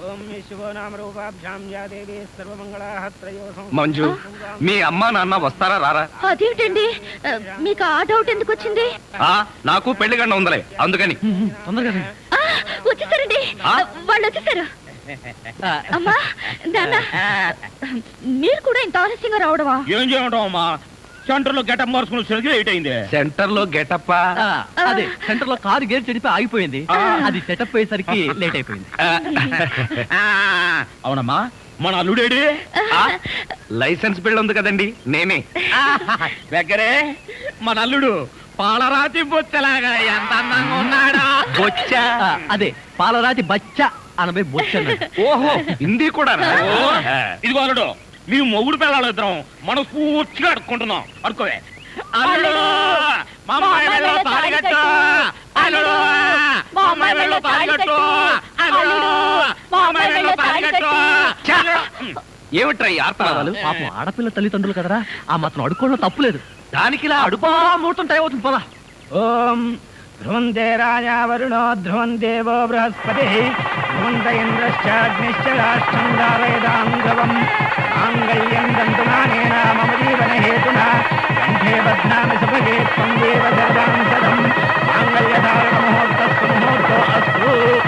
మంజు, మీ అమ్మా నాన్న వస్తారా రారా? అదేమిటండి, మీకు ఆ డౌట్ ఎందుకు వచ్చింది? నాకు పెళ్లి గండ ఉందలే, అందుకని. వచ్చేసారండి, వాళ్ళు వచ్చేసారు. అమ్మా నాన్న, మీరు కూడా ఇంత ఆలస్యంగా రావడమా? ఏం చేయడం అమ్మా, సెంటర్ లో గెటప్ మార్చుకుని లేట్ అయింది. సెంటర్ లో గెటప్? అదే, సెంటర్ లో కారు గేర్ చెడిపి ఆగిపోయింది, అది సెటప్ అయ్యేసరికి లేట్ అయిపోయింది. అవునమ్మా, మన అల్లుడేడి? లైసెన్స్ బిల్ ఉంది కదండి, నేనే. దగ్గరే మన అల్లుడు పాలరాతి బొచ్చలాగా ఎంత అందంగా ఉన్నాడా. బొచ్చ? అదే, పాలరాతి బచ్చ అనబై బొచ్చ. ఓహో, హిందీ కూడా. ఇదిగో అల్లుడు, మీ మొగుడు పిల్లలు ఇద్దరం మనం పూర్తిగా అడుక్కుంటున్నాం. అడుకోవే. అల్లుడు, మా అమ్మాయి వెళ్ళో తాళిగట్టు. అల్లుడు, మా అమ్మాయి వెళ్ళో తాళిగట్టు. అల్లుడు, మా అమ్మాయి వెళ్ళో తాళిగట్టు. ఏమిట్రా ఈ ఆర్తనాదాలు? పాపం ఆడపిల్ల తల్లిదండ్రులు కదరా, ఆ మాత్రం అడుక్కోవడం తప్పులేదు. దానికి ఇలా అడుపా ముహూర్తం టైం అవుతుంది, పదా. ఓం ధ్రువంతే రాజా వరుణో ధ్రువం దేవో బృహస్పతి ధ్రువంత ఇంద్రశ్చాగ్నిశ్చ రాష్ట్రం దారయదాం ధ్రువం మాంగళ్యం దంతునానేన మమ జీవన హేతునా కంఠే బధ్నామి సుభగే త్వం దేవ సర్వాం సదం మాంగళ్యధారణ ముహూర్తస్సు ముహూర్తో అస్తు.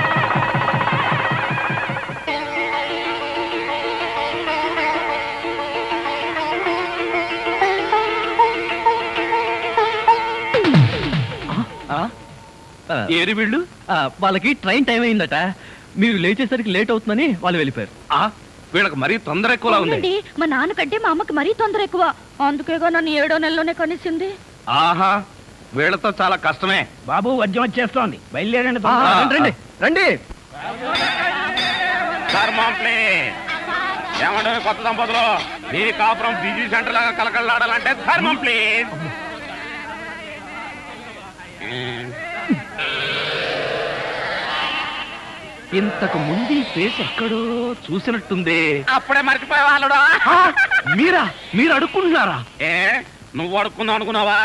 ఏరి వీళ్ళు? వాళ్ళకి ట్రైన్ టైం అయిందట, మీరు లేచేసరికి లేట్ అవుతుందని వాళ్ళు వెళ్ళిపోయారు. వీళ్ళకి మరీ తొందర ఎక్కువలా ఉంది. మా నాన్నకంటే మా అమ్మకి మరీ తొందర ఎక్కువ, అందుకేగా నన్ను 7వ నెలలోనే కనిసింది. ఆహా, వీళ్ళతో చాలా కష్టమే. బాబు, వద్యం వచ్చేస్తోంది, బయలుదేరండి. రండి రండి. ఏమంటే కొత్త దంపతులు, మీ కాపురం బిజీ సెంటర్ లాగా కలకలాడాలంటే ధర్మం ప్లీజ్. ఇంతకు ముందు ఈ ఫేస్ ఎక్కడో చూసినట్టుంది. అప్పుడే మర్చిపోయే వాళ్ళుడా. మీరా? మీరు అడుక్కుంటున్నారా? ఏ, నువ్వు అడుక్కుందాం అనుకున్నావా?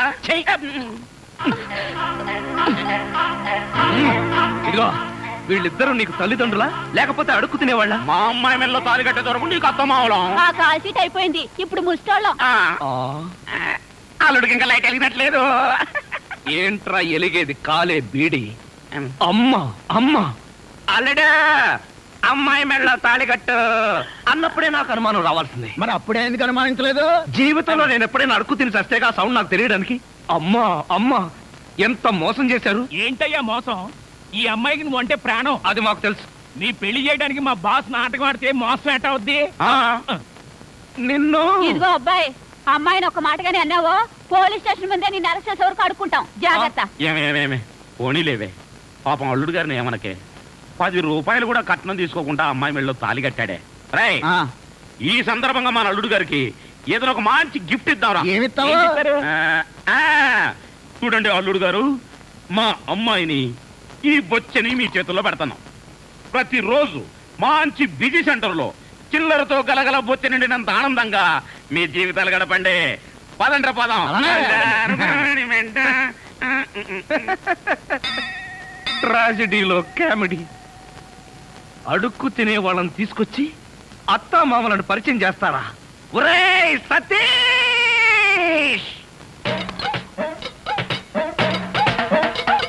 ఇదిగో, వీళ్ళిద్దరూ నీకు తల్లిదండ్రులా లేకపోతే అడుక్కు తినేవాళ్ళ? మా అమ్మాయి మెల్లో తాలి కట్టే దొరకు నీకు అత్తమావలం. ఆ కాల్ సీట్ అయిపోయింది, ఇప్పుడు ముస్టాళ్ళం. అల్లుడికి ఇంకా లైట్ వెలిగినట్లేదు. ఏంట్రా ఎలిగేది? కాలే బీడి. అమ్మా అమ్మా, అల్లుడు అమ్మాయి మెళ్ళో తాళి కట్టు అన్నప్పుడే నాకు అనుమానం రావాల్సింది. మరి అప్పుడే ఎందుకు అనుమానించలేదు? జీవితంలో నేను ఎప్పుడైనా అడుక్కు తిని చస్తేగా సౌండ్ నాకు తెలియడానికి. అమ్మా అమ్మా, ఎంత మోసం చేశారు. ఏంటయ్యా మోసం? ఈ అమ్మాయికి నువ్వు అంటే ప్రాణం. అది మాకు తెలుసు. నీ పెళ్లి చేయడానికి మా బాస్ నాటకం ఆడితే మోసం ఎట్ట అవుద్ది? నిన్ను ఇదిగో అబ్బాయి, అమ్మాయిని ఒక మాటగానే అన్నావో పోలీస్ స్టేషన్ ముందే నిన్ను అరెస్ట్ చేసే వరకు అడుక్కుంటాం, జాగ్రత్త. ఏమేమేమే పోనీలేవే, పాపం అల్లుడు గారిని ఏమనకే. 10 రూపాయలు కూడా కట్నం తీసుకోకుండా అమ్మాయి మెళ్ళలో తాళి కట్టాడే. రై, ఈ సందర్భంగా మన అల్లుడు గారికి ఏదైనా ఒక మంచి గిఫ్ట్ ఇద్దాంరా. ఏమిస్తావు? చూడండి అల్లుడు గారు, మా అమ్మాయిని ఈ బొచ్చని మీ చేతుల్లో పెడతాను. ప్రతిరోజు మంచి బిజీ సెంటర్ లో చిల్లరతో గలగల బొచ్చ నిండినంత ఆనందంగా మీ జీవితాలు గడపండి. పదండ్ర పదం. ట్రాజెడీలో కామెడీ. అడుక్కు తినే వాళ్ళని తీసుకొచ్చి అత్తా మామలను పరిచయం చేస్తారా? ఒరేయ్ సతీ!